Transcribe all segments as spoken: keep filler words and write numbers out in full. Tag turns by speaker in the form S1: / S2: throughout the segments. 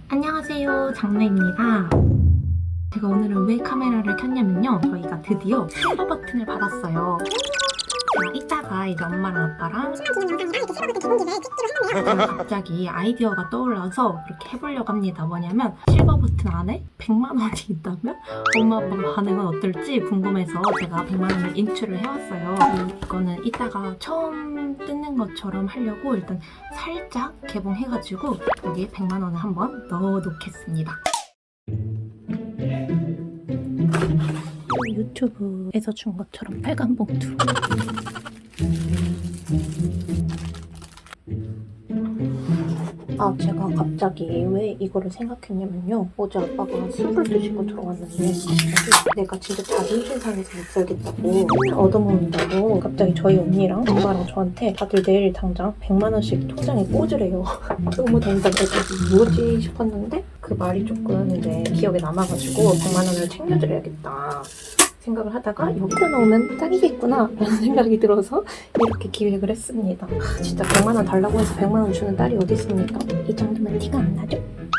S1: 안녕하세요, 장르입니다. 제가 오늘은 왜 카메라를 켰냐면요, 저희가 드디어 실버 버튼을 받았어요. 제가 이따가 이제 엄마랑 아빠랑 갑자기 아이디어가 떠올라서 그렇게 해보려고 합니다. 뭐냐면 실버 버튼 안에 백만 원이 있다면 엄마 아빠가 반응은 어떨지 궁금해서 제가 백만 원을 인출을 해왔어요. 이거는 이따가 처음 뜯는 것처럼 하려고 일단 살짝 개봉해가지고 여기에 백만 원을 한번 넣어놓겠습니다. 유튜브에서 준 것처럼 빨간 봉투로. 아, 제가 갑자기 왜 이거를 생각했냐면요, 어제 아빠가 술을 드시고 들어왔는데 갑자기 내가 진짜 자존심 상해서 못 살겠다고, 얻어먹는다고 갑자기 저희 언니랑 엄마랑 저한테 다들 내일 당장 백만 원씩 통장에 꽂으래요. 너무 당당해서 뭐지 싶었는데 그 말이 조금 이제 기억에 남아가지고 백만 원을 챙겨드려야겠다 생각을 하다가 여기다 넣으면 딱이겠구나 라는 생각이 들어서 이렇게 기획을 했습니다. 아, 진짜 백만 원 달라고 해서 백만 원 주는 딸이 어디 있습니까? 이 정도면 티가 안 나죠?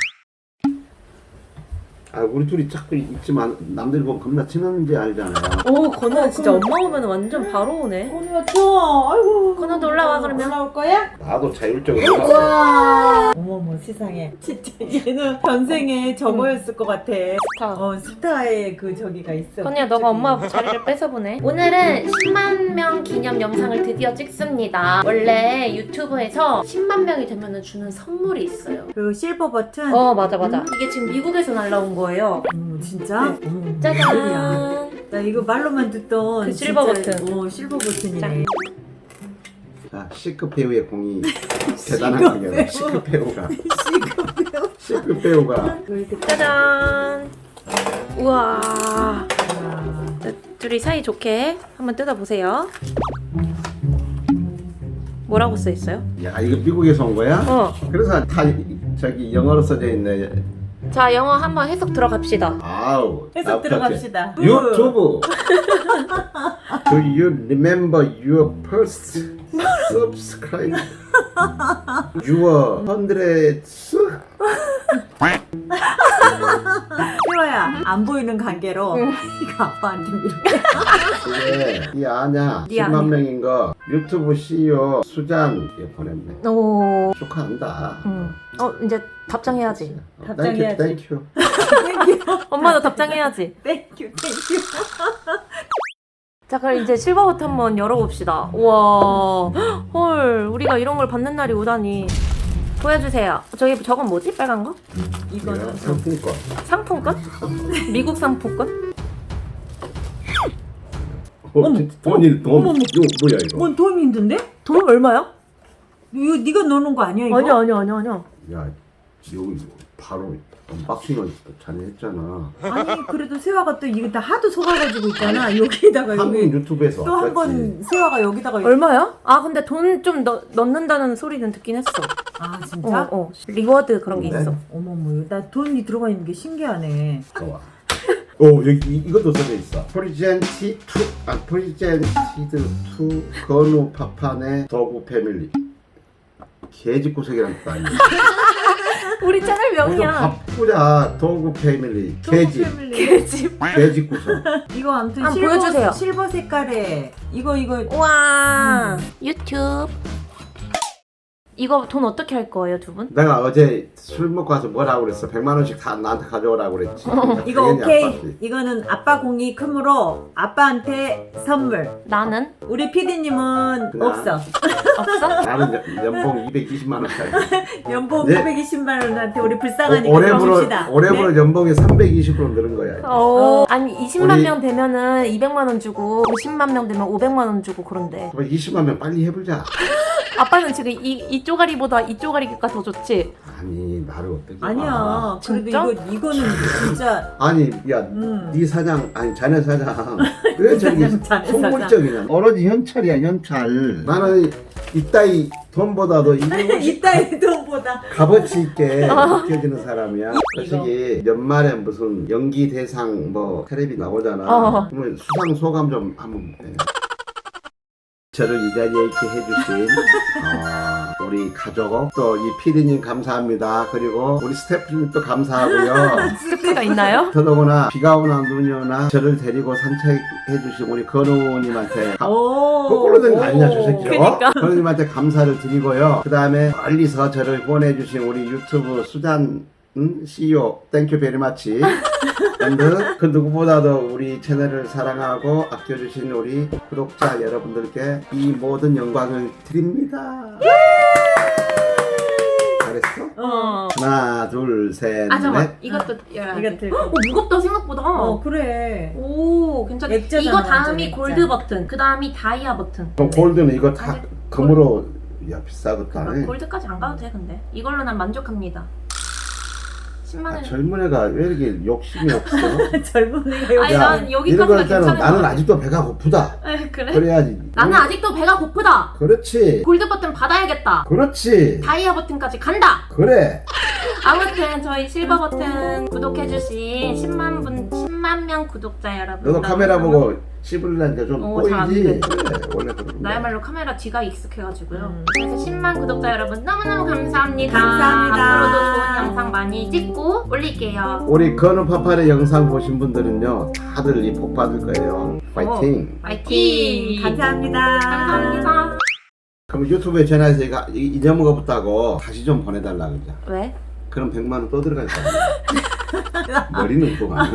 S2: 아, 우리 둘이 자꾸 있지만 남들 보면 겁나 친한지 알잖아요.
S1: 오, 건우야 진짜 엄마 오면 완전 바로 오네.
S3: 건우야 추워. 아이고.
S1: 건우도 올라와 그러면.
S3: 올라올 거야?
S2: 나도 자율적으로 나서
S3: 우와. 어머머 세상에. 진짜 얘는 전생에 저거였을 것 같아.
S1: 스타.
S3: 어 스타의 그 저기가 있어.
S1: 건우야 너가 엄마 자리를 뺏어보네. 오늘은 십만 명 기념 영상을 드디어 찍습니다. 원래 유튜브에서 십만 명이 되면 주는 선물이 있어요.
S3: 그 실버 버튼.
S1: 어, 맞아 맞아. 이게 지금 미국에서 날라온 거예요.
S3: 음 진짜?
S1: 네.
S3: 어머,
S1: 짜잔.
S3: 웬일이야. 나 이거 말로만 듣던
S1: 그 실버
S3: 진짜,
S1: 버튼.
S3: 어 실버 버튼이네.
S1: 짠.
S2: 자, C급 배우의 공이 대단한 거예요. C급 배우가
S3: C급 배우.
S2: C급 배우가
S1: 짜잔. 우와.
S3: 아,
S1: 자, 둘이 사이 좋게 한번 뜯어보세요. 뭐라고 써 있어요?
S2: 야, 이거 미국에서 온 거야?
S1: 어.
S2: 그래서 다 저기 영어로 써져 있네.
S1: 자, 영어 한번 해석 들어갑시다.
S2: 아우.
S3: 해석
S2: 나
S3: 들어갑시다.
S2: 유튜브. Do you remember your first subscribe? Your hundreds?
S3: 태화야 안 보이는 관계로 이거 아빠한테 이렇게.
S2: 그게 이 아냐
S1: 네
S2: 십만
S1: 아니.
S2: 명인 거 유튜브 씨이오 수잔에 보냈네.
S1: 오.
S2: 축하한다.
S1: 음. 어, 이제 답장해야지.
S3: 답장해야지.
S2: 땡큐.
S1: 엄마도 답장해야지.
S3: 땡큐 땡큐.
S1: 자, 그럼 이제 실버 버튼 한번 열어봅시다. 우와. 헐, 우리가 이런 걸 받는 날이 오다니. 보여주세요. 저기 저건 뭐지? 빨간 거?
S3: 이거는
S2: 상품권.
S1: 상품권? 미국 상품권?
S2: 어, 진짜 돈이 돈.
S3: 어머머.
S2: 이거 뭐야 이거?
S3: 뭔 도움이 힘든데?
S1: 돈 얼마야?
S3: 이거 네가 넣는 거 아니야 이거?
S1: 아니야, 아니야, 아니야, 아니야.
S2: 야, 여기 바로 언박싱을 자네 했잖아.
S3: 아니 그래도 세화가 또 이거 다 하도 속아가지고 있잖아. 여기다가
S2: 한국
S3: 여기
S2: 유튜브에서
S3: 또 한
S2: 왔겠지.
S3: 번 세화가 여기다가
S1: 얼마야? 아, 근데 돈 좀 넣는다는 소리는 듣긴 했어.
S3: 아
S1: 어,
S3: 진짜?
S1: 어. 리워드 그런 게
S2: 네.
S1: 있어.
S3: 어머머 나 돈이 들어가 있는 게 신기하네.
S2: 좋아. 오, 여기 이- 이것도 써져 있어. 프리젠티 투, 아 프리젠티드 투 건우 파판의 더구 패밀리. 개집구석이라는 뜻 아니야?
S1: 우리 채널 명이야.
S2: 바쁘자 더구 패밀리. 개집.
S1: 개집.
S2: 개집구석.
S3: 이거 아무튼
S1: 한번
S3: 실버,
S1: 보여주세요.
S3: 실버 색깔에 이거 이거
S1: 우와. 유튜브. 이거 돈 어떻게 할 거예요, 두 분?
S2: 내가 어제 술 먹고 와서 뭐라고 그랬어? 백만 원씩 다 나한테 가져오라고 그랬지.
S3: 이거
S2: 당연히
S3: 오케이.
S2: 아빠지.
S3: 이거는 아빠 공이 크므로 아빠한테 선물.
S1: 나는?
S3: 우리 피디님은
S2: 그냥.
S3: 없어.
S1: 없어?
S2: 나는 연- 연봉 이백이십만 원짜리.
S3: 연봉
S2: 네.
S3: 오백이십만 원한테 우리 불쌍하니까
S2: 올해부로
S3: 들어줍시다.
S2: 올해부로 연봉이 삼백이십 퍼센트 늘은 거야.
S1: 어. 아니, 이십만
S2: 우리-
S1: 명 되면은 이백만 원 주고 오십만 명 되면 오백만 원 주고 그런데.
S2: 그럼 이십만 명 빨리 해보자.
S1: 아빠는 지금 이, 이 쪼가리보다 이 쪼가리가 더 좋지?
S2: 아니 나를 어떻게 봐.
S3: 아니야. 그래도
S1: 진짜?
S3: 이거 이거는 진짜
S2: 아니 야,
S3: 음.
S2: 네 사장 아니 자네 사장 왜 저기
S3: 사장, 자네
S2: 속물적이냐? 오로지 현찰이야 현찰. 나는 이따위 돈보다도 이게
S3: 이따위 돈보다
S2: 값어치 있게 느껴지는 사람이야.
S3: 이거.
S2: 솔직히 연말에 무슨 연기 대상 뭐 테레비 나오잖아.
S1: 어.
S2: 그러면 수상 소감 좀 한번 해. 저를 이 자리에 이렇게 해주신 어, 우리 가족 또 이 피디님 감사합니다. 그리고 우리 스태프님도 감사하고요.
S4: 스태프가 있나요?
S2: 더더구나 비가 오나 눈이 오나 저를 데리고 산책해주신 우리 건우님한테 가-
S3: 오.
S2: 거꾸로 된 거 아니냐 저 새끼.
S4: 그니까.
S2: 건우님한테 감사를 드리고요. 그 다음에 멀리서 저를 후원해주신 우리 유튜브 수잔 음? 씨이오 땡큐 베리 마치 앤드 그 누구보다도 우리 채널을 사랑하고 아껴주신 우리 구독자 여러분들께 이 모든 영광을 드립니다. 잘했어?
S3: 어.
S2: 하나 둘셋
S1: 아 잠깐
S2: 넷.
S1: 이것도 열어야
S3: 이거
S1: 돼.
S3: 들고.
S1: 어 무겁다 생각보다.
S3: 어 그래.
S1: 오 괜찮아.
S3: 액자잖아,
S1: 이거 다음이
S3: 완전 액자.
S1: 골드 버튼, 그 다음이 다이아 버튼.
S2: 그럼 골드는 이거 다
S1: 아니,
S2: 금으로 야 비싸겠다.
S1: 그러니까 골드까지 안 가도 돼 근데 이걸로 난 만족합니다. 십만
S2: 아,
S1: 원.
S2: 젊은 애가 왜 이렇게 욕심이 없어?
S3: 젊은 애가
S1: 아니
S3: 여기.
S1: 난
S2: 이런
S1: 여기까지가
S2: 거 있잖아.
S1: 괜찮은
S2: 나는
S1: 거
S2: 아직도 배가 고프다.
S1: 에 그래?
S2: 그래야지.
S1: 나는 아직도 배가 고프다.
S2: 그렇지.
S1: 골드 버튼 받아야겠다.
S2: 그렇지.
S1: 다이아 버튼까지 간다.
S2: 그래.
S1: 아무튼 저희 실버 버튼 구독해주신 십만 분, 십만 명 구독자 여러분.
S2: 너도 카메라 보고 씹으려니까 좀
S1: 어, 잘안
S2: 보이지?
S1: 돼.
S2: 그래. 원래 그런 거야.
S1: 나야말로 카메라 뒤가 익숙해가지고요.
S3: 음.
S1: 그래서 십만 구독자 여러분 너무너무 감사합니다.
S3: 감사합니다.
S1: 앞으로도 좋은 영상 많이 찍고 올릴게요.
S2: 우리 건우 파파의 영상 보신 분들은요 다들 이 복 받을 거예요. 파이팅.
S1: 파이팅!
S3: 감사합니다.
S1: 감사합니다.
S2: 그럼 유튜브에 전화해서 이거 이- 이념을 없다고 다시 좀 보내달라 그러자.
S1: 왜?
S2: 그럼 백만 원 또 들어갈 거야. 머리는 그만.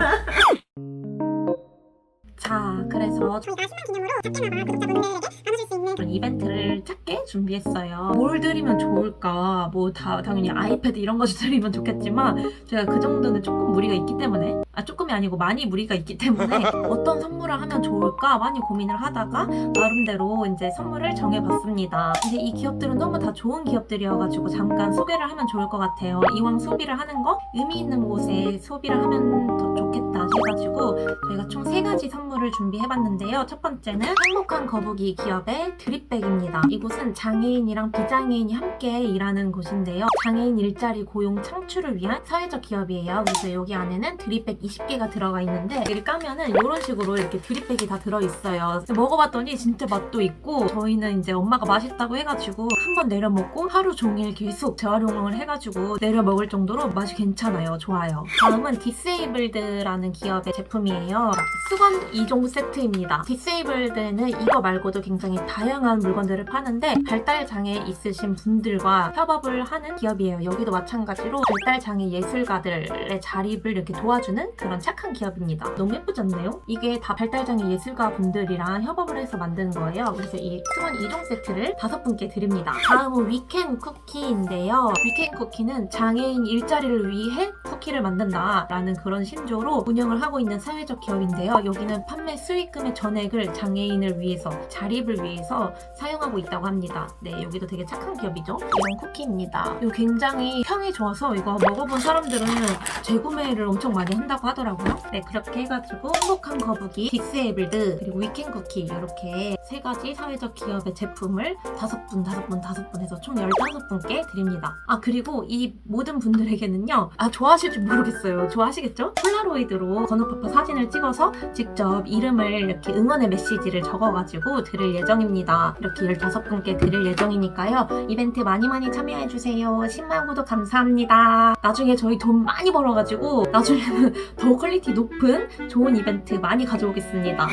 S1: 자, 그래서 저희가 십만 기념으로 작게나마 구독자분들에게 나눠줄 수 있는 이벤트를 작게 준비했어요. 뭘 드리면 좋을까? 뭐 다 당연히 아이패드 이런 거 드리면 좋겠지만 제가 그 정도는 조금 무리가 있기 때문에 아 조금이 아니고 많이 무리가 있기 때문에 어떤 선물을 하면 좋을까 많이 고민을 하다가 나름대로 이제 선물을 정해봤습니다. 이제 이 기업들은 너무 다 좋은 기업들이어가지고 잠깐 소개를 하면 좋을 것 같아요. 이왕 소비를 하는 거 의미 있는 곳에 소비를 하면 더 좋겠다 해가지고 저희가 총 세 가지 선물을 준비해봤는데요. 첫 번째는 행복한 거북이 기업의 드립백입니다. 이곳은 장애인이랑 비장애인이 함께 일하는 곳인데요. 장애인 일자리 고용 창출을 위한 사회적 기업이에요. 그래서 여기 안에는 드립백 이십 개가 들어가 있는데 이를 까면은 이런 식으로 이렇게 드립백이 다 들어있어요. 먹어봤더니 진짜 맛도 있고 저희는 이제 엄마가 맛있다고 해가지고 한 번 내려 먹고 하루 종일 계속 재활용을 해가지고 내려 먹을 정도로 맛이 괜찮아요. 좋아요. 다음은 디세이블드라는 기업의 제품이에요. 수건 이 종 세트입니다. 디세이블드는 이거 말고도 굉장히 다양한 물건들을 파는데 발달장애 있으신 분들과 협업을 하는 기업이에요. 여기도 마찬가지로 발달장애 예술가들의 자립을 이렇게 도와주는 그런 착한 기업입니다. 너무 예쁘지 않나요? 이게 다 발달장애 예술가 분들이랑 협업을 해서 만든 거예요. 그래서 이 수건 이 종 세트를 다섯 분께 드립니다. 다음은 위켄 쿠키인데요. 위켄 쿠키는 장애인 일자리를 위해 쿠키를 만든다라는 그런 신조로 운영을 하고 있는 사회적 기업인데요. 여기는 판매 수익금의 전액을 장애인을 위해서 자립을 위해서 사용하고 있다고 합니다. 네, 여기도 되게 착한 기업이죠. 이런 쿠키입니다. 이거 굉장히 평이 좋아서 이거 먹어본 사람들은 재구매를 엄청 많이 한다고 하더라고요. 네, 그렇게 해가지고 행복한 거북이, 디세이블드, 그리고 위켄 쿠키 이렇게 세 가지 사회적 기업의 제품을 다섯 분, 다섯 분, 다섯 분 해서 총 열다섯 분께 드립니다. 아, 그리고 이 모든 분들에게는요. 아, 좋아하실지 모르겠어요. 좋아하시겠죠? 폴라로이드로 건우파파 사진을 찍어서 직접 이름을 이렇게 응원의 메시지를 적어가지고 드릴 예정입니다. 이렇게 열다섯 분께 드릴 예정이니까요. 이벤트 많이 많이 참여해주세요. 십만 구독 감사합니다. 나중에 저희 돈 많이 벌어가지고 나중에는 더 퀄리티 높은 좋은 이벤트 많이 가져오겠습니다.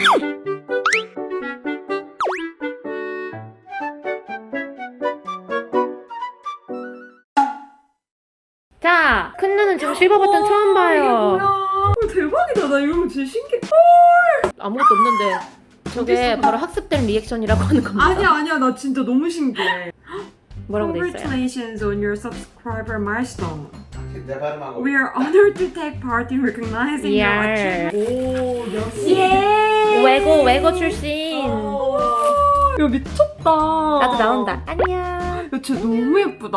S1: 자, 큰 누는 지금 실버 버튼 처음 봐요.
S3: 어, 대박이다. 나 이런 거 진짜 신기해.
S1: 아무것도 없는데 저게 바로 학습된 리액션이라고 하는 겁니다.
S3: 아니야 아니야 나 진짜 너무 신기해.
S1: 뭐라고 돼 있어요?
S3: Congratulations on your subscriber milestone.
S2: 내 발음하고.
S3: We are honored to take part in recognizing your
S1: 예.
S3: achievement. 오 역시.
S1: 예. 외고 외고 출신.
S3: 오, 야 미쳤다.
S1: 나도 나온다. 안녕.
S3: 야 진짜 너무 예쁘다.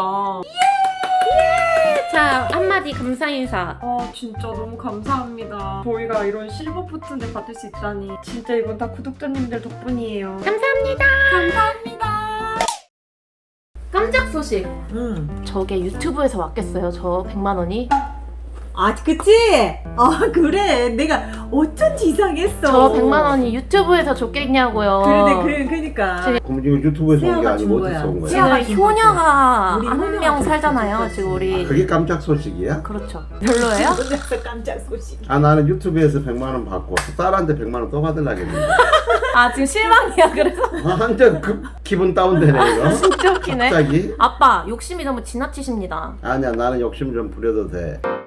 S1: 자, 한마디 감사 인사.
S3: 아 진짜 너무 감사합니다. 저희가 이런 실버 버튼을 받을 수 있다니 진짜 이건 다 구독자님들 덕분이에요.
S1: 감사합니다.
S3: 감사합니다.
S1: 깜짝 소식.
S3: 음.
S1: 저게 유튜브에서 왔겠어요. 저 백만 원이.
S4: 아, 그치? 아, 그래. 내가 어쩐지 이상했어.
S5: 저 백만 원이 유튜브에서 줬겠냐고요.
S4: 그러네, 그래, 그러니까.
S2: 그럼 지금 유튜브에서 온 게
S4: 세아가
S2: 아니고
S4: 준
S2: 어디서
S4: 거야.
S2: 온 거야?
S4: 세아가
S5: 지금
S4: 준 거지.
S5: 효녀가
S4: 우리
S5: 한
S4: 효녀가
S5: 명
S4: 줬지,
S5: 살잖아요.
S4: 줬지.
S5: 지금 우리.
S2: 그게 깜짝 소식이야?
S5: 그렇죠. 별로예요?
S4: 혼자서 깜짝 소식.
S2: 아 나는 유튜브에서 백만 원 받고 딸한테 백만 원 또 받으려겠는데.
S5: 아 지금 실망이야. 그래서
S2: 아, 완전 급 기분 다운되네 이거.
S5: 진짜 웃기네.
S2: 갑자기?
S5: 아빠 욕심이 너무 지나치십니다.
S2: 아니야 나는 욕심 좀 부려도 돼.